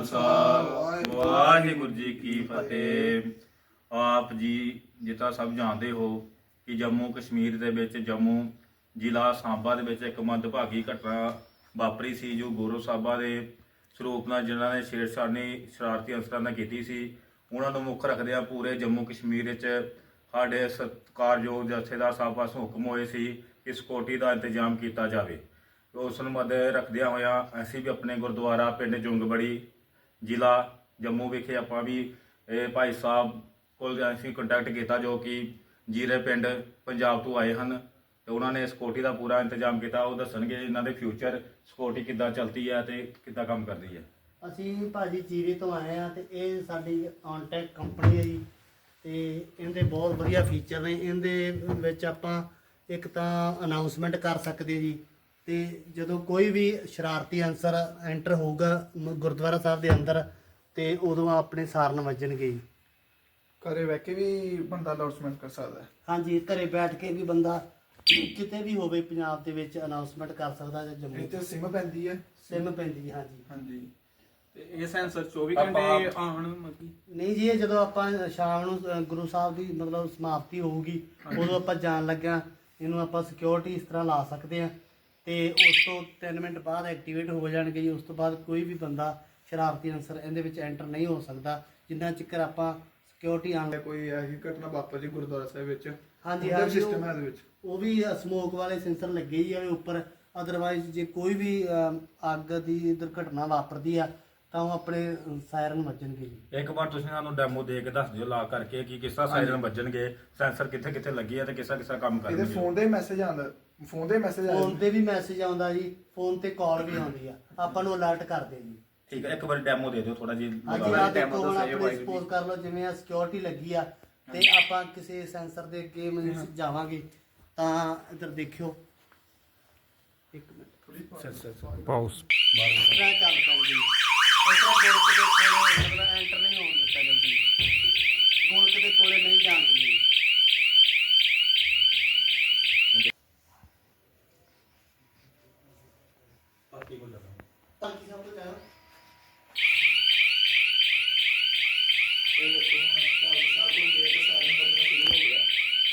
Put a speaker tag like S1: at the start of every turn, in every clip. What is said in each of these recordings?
S1: खालसा वाहिगुरू जी की फतेह। आप जी जिता सब जानते हो कि जम्मू कश्मीर ਦੇ ਵਿੱਚ जम्मू ਜ਼ਿਲ੍ਹਾ ਸਾਂਬਾ ਦੇ ਵਿੱਚ ਇੱਕ ਮੰਦਭਾਗੀ ਘਟਨਾ ਵਾਪਰੀ ਸੀ ਜੋ ਗੁਰੂ ਸਾਹਿਬਾਂ ਦੇ ਸਰੂਪ ਨਾਲ ਜਿਨ੍ਹਾਂ ਨੇ ਛੇੜਛਾੜੀ ਸ਼ਰਾਰਤੀ ਅਨਸਰਾਂ ਨਾਲ ਕੀਤੀ ਸੀ। ਉਹਨਾਂ ਨੂੰ ਮੁੱਖ ਰੱਖਦਿਆਂ ਪੂਰੇ ਜੰਮੂ ਕਸ਼ਮੀਰ ਵਿੱਚ ਸਾਡੇ ਸਤਿਕਾਰਯੋਗ ਜਥੇਦਾਰ ਸਾਹਿਬ ਪਾਸੋਂ ਹੁਕਮ ਹੋਏ ਸੀ ਕਿ ਸਿਕਿਉਰਿਟੀ ਦਾ ਇੰਤਜ਼ਾਮ ਕੀਤਾ ਜਾਵੇ। ਉਸ ਨੂੰ ਮੱਦੇ ਰੱਖਦਿਆਂ ਹੋਇਆ ਅਸੀਂ ਵੀ ਆਪਣੇ ਗੁਰਦੁਆਰਾ ਪਿੰਡ ਜੁੰਗਬੜੀ ਜ਼ਿਲ੍ਹਾ ਜੰਮੂ ਵਿਖੇ ਆਪਾਂ ਵੀ ਭਾਈ ਸਾਹਿਬ ਕੋਲ ਅਸੀਂ ਕੰਟੈਕਟ ਕੀਤਾ ਜੋ ਕਿ ਜੀਰੇ ਪਿੰਡ ਪੰਜਾਬ ਤੋਂ ਆਏ ਹਨ ਤੇ ਉਹਨਾਂ ਨੇ ਸਿਕਿਉਰਿਟੀ ਦਾ ਪੂਰਾ ਇੰਤਜ਼ਾਮ ਕੀਤਾ। ਉਹ ਦੱਸਣਗੇ ਇਹਨਾਂ ਦੇ ਫਿਊਚਰ ਸਿਕਿਉਰਿਟੀ ਕਿੱਦਾਂ ਚੱਲਦੀ ਹੈ ਤੇ ਕਿੱਦਾਂ ਕੰਮ ਕਰਦੀ ਹੈ।
S2: ਅਸੀਂ ਭਾਜੀ ਜੀਰੇ ਤੋਂ ਆਏ ਆ ਤੇ ਇਹ ਸਾਡੀ ਔਨਟੈਕ ਕੰਪਨੀ ਹੈ ਜੀ ਤੇ ਇਹਦੇ ਬਹੁਤ ਵਧੀਆ ਫੀਚਰ ਨੇ। ਇਹਦੇ ਵਿੱਚ ਆਪਾਂ ਇੱਕ ਤਾਂ ਅਨਾਉਂਸਮੈਂਟ ਕਰ ਸਕਦੇ ਜੀ ਤੇ ਜਦੋਂ ਕੋਈ ਵੀ ਸ਼ਰਾਰਤੀ ਅਨਸਰ ਐਂਟਰ ਹੋਊਗਾ ਗੁਰਦੁਆਰਾ ਸਾਹਿਬ ਦੇ ਅੰਦਰ ਤੇ ਉਦੋਂ ਆਪਣੇ ਸਾਰਨ ਵੱਜਣਗੇ ਜੀ।
S3: ਘਰੇ ਬਹਿ ਕੇ ਵੀ ਬੰਦਾ ਅਨਾਉਂਸਮੈਂਟ ਕਰ ਸਕਦਾ ਹੈ।
S2: ਹਾਂਜੀ, ਘਰੇ ਬੈਠ ਕੇ ਵੀ ਬੰਦਾ ਕਿਤੇ ਵੀ ਹੋਵੇ ਪੰਜਾਬ ਦੇ ਵਿੱਚ ਅਨਾਉਂਸਮੈਂਟ ਕਰ ਸਕਦਾ ਜਾਂ ਜੰਮੂ
S3: ਇੱਥੇ ਸਿਮ ਪੈਂਦੀ ਹੈ।
S2: ਸਿਮ ਪੈਂਦੀ ਹੈ। ਹਾਂਜੀ
S3: ਹਾਂਜੀ
S4: ਤੇ ਇਹ ਸੈਂਸਰ 24 ਘੰਟੇ ਆਉਣ ਮਤਲਬ
S2: ਨਹੀਂ ਜੀ, ਇਹ ਜਦੋਂ ਆਪਾਂ ਸ਼ਾਮ ਨੂੰ ਗੁਰੂ ਸਾਹਿਬ ਦੀ ਮਤਲਬ ਸਮਾਪਤੀ ਹੋਊਗੀ ਉਦੋਂ ਆਪਾਂ ਜਾਣ ਲੱਗਿਆ ਇਹਨੂੰ ਆਪਾਂ ਸਿਕਿਉਰਿਟੀ ਇਸ ਤਰ੍ਹਾਂ ਲਾ ਸਕਦੇ ਆ ਤੇ ਉਸ ਤੋਂ 3 ਮਿੰਟ ਬਾਅਦ ਐਕਟੀਵੇਟ ਹੋ ਜਾਣਗੇ ਜੀ। ਉਸ ਤੋਂ ਬਾਅਦ ਕੋਈ ਵੀ ਬੰਦਾ ਸ਼ਰਾਰਤੀ ਅਨਸਰ ਇਹਦੇ ਵਿੱਚ ਐਂਟਰ ਨਹੀਂ ਹੋ ਸਕਦਾ ਜਿੰਨਾ ਚਿਰ ਆਪਾਂ ਸਿਕਿਉਰਿਟੀ ਆਣ।
S3: ਕੋਈ ਐਸੀ ਘਟਨਾ ਵਾਪਰ ਜੀ ਗੁਰਦੁਆਰਾ ਸਾਹਿਬ ਵਿੱਚ
S2: ਹਾਂਜੀ
S3: ਉਹਦਾ
S2: ਹਾਂਜੀ,
S3: ਸਿਸਟਮ ਹੈ ਇਹਦੇ ਵਿੱਚ।
S2: ਉਹ ਵੀ ਸਮੋਕ ਵਾਲੇ ਸੈਂਸਰ ਲੱਗੇ ਹੀ ਆ ਉੱਪਰ। ਅਦਰਵਾਈਜ਼ ਜੇ ਕੋਈ ਵੀ ਅੱਗ ਦੀ ਦੁਰਘਟਨਾ ਵਾਪਰਦੀ ਆ ਤਾਂ ਉਹ ਆਪਣੇ ਸਾਇਰਨ ਵੱਜਣਗੇ ਜੀ।
S1: ਇੱਕ ਵਾਰ ਤੁਸੀਂ ਸਾਨੂੰ ਡੈਮੋ ਦੇ ਕੇ ਦੱਸ ਦਿਓ ਲਾ ਕਰਕੇ ਕਿ ਕਿਸ ਤਰ੍ਹਾਂ ਸਾਇਰਨ ਵੱਜਣਗੇ, ਸੈਂਸਰ ਕਿੱਥੇ ਕਿੱਥੇ ਲੱਗੀ ਹੈ ਤੇ ਕਿਸ ਤਰ੍ਹਾਂ ਕੰਮ
S3: ਇਹਦੇ
S1: ਕਰਨਗੇ।
S3: ਫੋਨ ਦੇ ਮੈਸੇਜ ਆਉਂਦਾ, ਫੋਨ ਦੇ ਮੈਸੇਜ
S2: ਫੋਨ ਤੇ ਵੀ ਮੈਸੇਜ ਆਉਂਦਾ ਜੀ, ਫੋਨ ਤੇ ਕਾਲ ਵੀ ਆਉਂਦੀ ਆ, ਆਪਾਂ ਨੂੰ ਅਲਰਟ ਕਰਦੇ ਜੀ।
S1: ਠੀਕ ਹੈ, ਇੱਕ ਵਾਰ ਡੈਮੋ ਦੇ ਦਿਓ ਥੋੜਾ
S2: ਹਾਂਜੀ,
S1: ਜਿਹਾ।
S2: ਆ ਦੇਖੋ ਹੁਣ ਆਪਣੇ ਸਪੋਜ਼ ਕਰ ਲਓ ਜਿਵੇਂ ਆ ਸਿਕਿਉਰਿਟੀ ਲੱਗੀ ਆ ਤੇ ਆਪਾਂ ਕਿਸੇ ਸੈਂਸਰ ਦੇ ਅੱਗੇ ਮਤਲਬ ਜਾਵਾਂਗੇ ਤਾਂ ਇੱਧਰ ਦੇਖਿਓ ਇੱਕ ਮਿੰਟ
S4: ਪਾਉਸ
S2: ਟਰੈਕ ਚੱਲ ਪਾਉਂਦੀ ਇਸ ਤਰ੍ਹਾਂ ਗੋਲਕ ਦੇ ਕੋਲੇ ਮਤਲਬ ਐਂਟਰ ਨਹੀਂ ਹੋਣ ਦਿੱਤਾ ਜਲਦੀ, ਗੋਲਕ ਦੇ ਕੋਲੇ ਨਹੀਂ ਜਾਣ ਦਿੰਦੀ। ਬਾਕੀ ਸਭ ਕੁਝ ਹੈ।
S3: ਇਹ ਸਾਹਿਬ ਤੋਂ ਗਏ ਤਾਂ ਸਾਰੇ ਬੰਦੇ ਸ਼ੁਰੂ ਹੋ ਗਿਆ।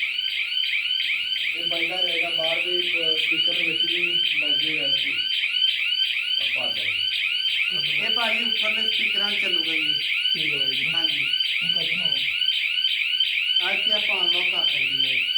S3: ਇਹ ਬਾਈਦਾ ਰਹੇਗਾ ਬਾਹਰ ਵੀ ਸਪੀਕਰ ਦੇ ਵਿੱਚ ਵੀ ਵੱਜੇਗਾ ਜੀ।
S2: ਇਹ ਭਾਜੀ ਉੱਪਰਲੇ ਸਪੀਕਰਾਂ 'ਚ ਚੱਲੂਗਾ ਜੀ।
S3: ਠੀਕ ਹੈ ਜੀ।
S2: ਹਾਂਜੀ,
S3: ਹੁਣ ਕੱਟਣਾ ਹੋ
S2: ਅੱਜ ਤੇ ਆਪਾਂ ਅਨਲੌਕ ਕਰ ਸਕਦੇ ਹਾਂ।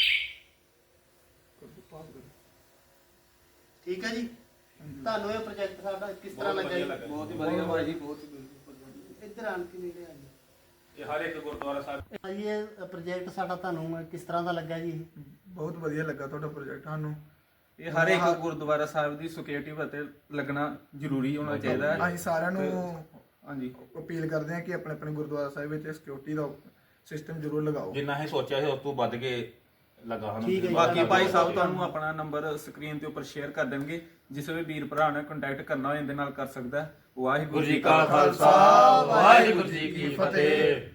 S3: ਪਾਸ ਕਰ।
S2: ਠੀਕ ਹੈ ਜੀ, ਤੁਹਾਨੂੰ ਇਹ ਪ੍ਰੋਜੈਕਟ ਸਾਡਾ ਕਿਸ ਤਰ੍ਹਾਂ ਲੱਗਾ ਜੀ?
S4: ਬਹੁਤ ਹੀ ਵਧੀਆ ਭਾਈ ਜੀ, ਬਹੁਤ ਹੀ ਵਧੀਆ।
S2: ਇੱਧਰ ਆਣ ਕੇ ਨੇੜੇ ਆ ਜੀ।
S1: ਇਹ ਹਰ ਇੱਕ ਗੁਰਦੁਆਰਾ ਸਾਹਿਬ
S2: ਭਾਜੀ ਇਹ ਪ੍ਰੋਜੈਕਟ ਸਾਡਾ ਤੁਹਾਨੂੰ ਕਿਸ ਤਰ੍ਹਾਂ ਦਾ ਲੱਗਾ ਜੀ?
S3: ਬਹੁਤ ਵਧੀਆ ਲੱਗਾ ਤੁਹਾਡਾ ਪ੍ਰੋਜੈਕਟ ਸਾਨੂੰ।
S4: ਇਹ ਹਰ ਇੱਕ ਗੁਰਦੁਆਰਾ ਸਾਹਿਬ ਦੀ ਸਿਕਿਉਰਿਟੀ ਅਤੇ ਲੱਗਣਾ ਜ਼ਰੂਰੀ ਹੋਣਾ ਚਾਹੀਦਾ ਹੈ।
S3: ਅਸੀਂ ਸਾਰਿਆਂ ਨੂੰ
S4: ਹਾਂਜੀ
S3: ਅਪੀਲ ਕਰਦੇ ਹਾਂ ਕਿ ਆਪਣੇ ਆਪਣੇ ਗੁਰਦੁਆਰਾ ਸਾਹਿਬ ਵਿੱਚ ਸਿਕਿਉਰਿਟੀ ਦਾ ਸਿਸਟਮ ਜ਼ਰੂਰ ਲਗਾਓ।
S1: ਜਿੰਨਾ ਹੀ ਸੋਚਿਆ ਸੀ ਉਸ ਤੋਂ ਵੱਧ ਕੇ ਲੱਗਾ ਹਨ।
S2: ਠੀਕ ਹੈ ਜੀ।
S4: ਬਾਕੀ ਭਾਈ ਸਾਹਿਬ ਤੁਹਾਨੂੰ ਆਪਣਾ ਨੰਬਰ ਸਕਰੀਨ ਦੇ ਉੱਪਰ ਸ਼ੇਅਰ ਕਰ ਦੇਣਗੇ, ਜਿਸ ਵੀ ਵੀਰ ਭਰਾ ਨੇ ਕੰਟੈਕਟ ਕਰਨਾ ਹੋਏ ਇਹਦੇ ਨਾਲ ਕਰ ਸਕਦਾ ਹੈ। ਵਾਹਿਗੁਰੂ ਜੀ ਕਾ ਖਾਲਸਾ
S1: ਵਾਹਿਗੁਰੂ ਜੀ ਕੀ ਫਤਿਹ।